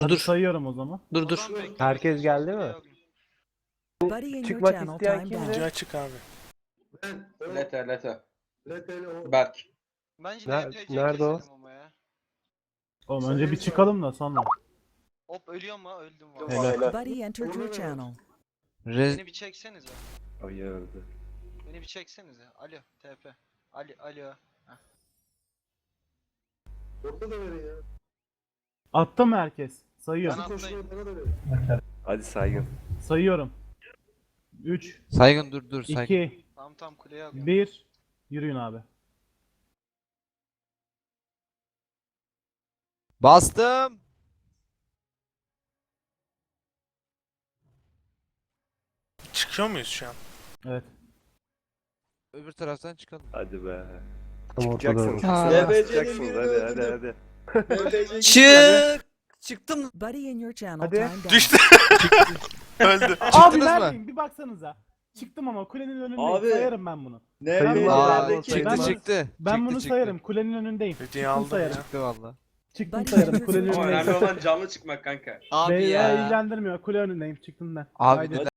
Hadi Dur. sayıyorum o zaman. Dur. Herkes geldi mi? Buddy in your Çıkmak channel isteyen timed kimdi? out. Video açık abi. Lete. Leteli o. Berk. Bence Nerede NPC'yi o? keselim ama ya. Oğlum önce bir çıkalım da sonra. Hop ölüyor mu? Öldüm Helal. valla. Buddy entered your channel. Beni bir çeksenize. Ayırdı. Beni bir çeksenize. Alo TP. Alo. Orada da verin ya. Attı mı herkes? Sayıyorum. Ben Koşuyor atlayayım. bana da verin. Hadi saygın. Sayıyorum. 3, Saygın dur saygın. 2, Tam kuleye alıyorum. 1. Yürüyün abi. Bastım. Çıkıyor muyuz şu an? Evet. Öbür taraftan çıkalım. Hadi be. Tam ortada. Çıkacaksınız. Çıkacaksınız hadi. Çıktım. Buddy in your channel Hadi. timed out. Düştü. Öldü. Abi Çıktınız mı? neredeyim? Bir baksanıza. Çıktım ama kulenin önündeyim. Abi. Sayarım ben bunu. Aa, Ben- çıktı. Ben bunu Çıktı. sayarım. Kulenin önündeyim. Videoyu Çıktım aldım sayarım. ya. Çıktı valla. Çıktım Buddy sayarım. entered Kulenin your Ama önündeyim. önemli olan canlı çıkmak kanka. Abi Beni ya. ilgilendirmiyor. Kule önündeyim. Çıktım ben. Abi Haydi. neden